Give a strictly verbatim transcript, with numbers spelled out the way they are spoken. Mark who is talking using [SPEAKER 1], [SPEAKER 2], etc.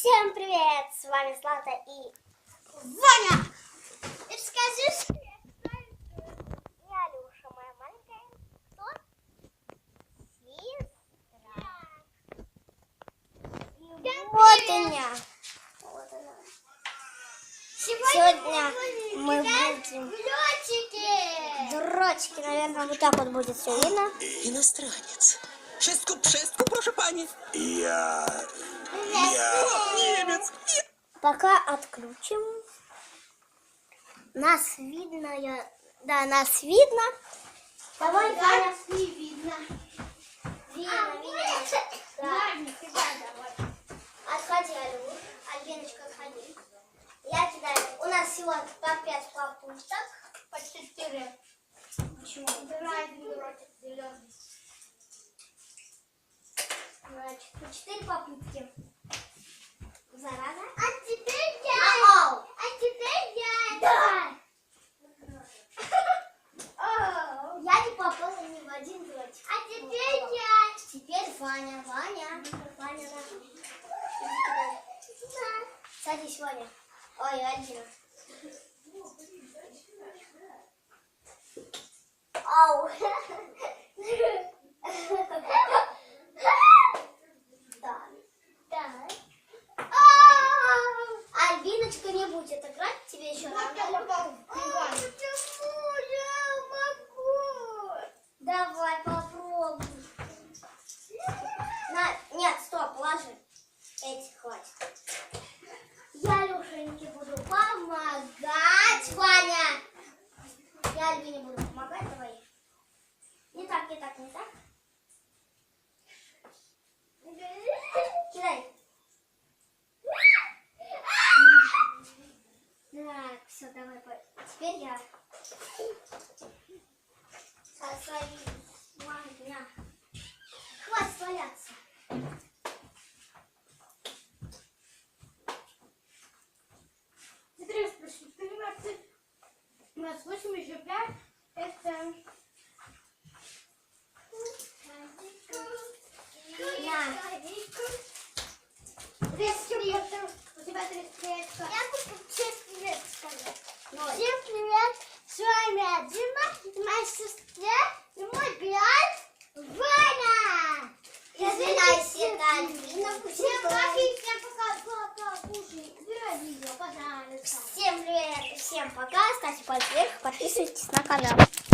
[SPEAKER 1] Всем привет! С вами Злата и Ваня! И скажи, что я Алюша, моя маленькая. Кто? Сестра. Вот она. Вот она. Сегодня мы будем... Дротики! Дротики, наверное, вот так вот будет все видно.
[SPEAKER 2] Иностранец. Шестку, шестку, прошу пани. Я... Я... Немец.
[SPEAKER 1] Пока отключим. Нас видно, я... Да, нас видно. Давай, Ваня. Нас не видно. Видно, а, видно. Да. Давай. Отходи, Алю. Альбиночка, отходи. Я кидаю. У нас всего по пять попыток. По четыре. Почему? Убираем дротик зеленый. Значит, по четыре попытки. Зараза. А теперь я. А, а теперь я. Давай. Я не попала ни в один дротик. А теперь я. Теперь Ваня. Ваня. Ваня, да. Садись, Ваня. Ой, Альбина. Ау. Да. Да. Альбиночка, не будет играть, тебе еще надо. Почему я могу? Давай попробуй. На... Нет, стоп, ложи. Эти хватит. Я Алюшеньке буду помогать, Ваня. Я Альбине буду помогать, давай. Не так, не так, не так. Кидай. Так, все, давай. Теперь я. Со своей мамой. Хватит валяться.
[SPEAKER 3] Смотри, спрошу, тринадцать, двадцать восемь, еще пять, это... У тебя тридцать лет.
[SPEAKER 1] Я буду всем привет сказать.
[SPEAKER 3] Всем привет, с вами Дима, моя сестра и мой брат Ваня.
[SPEAKER 1] Извиняйся, это Альбина.
[SPEAKER 3] Всем пока, всем пока, пока, кушай, убирай видео, пожалуйста.
[SPEAKER 1] Всем привет, всем пока, ставьте палец вверх, подписывайтесь на канал.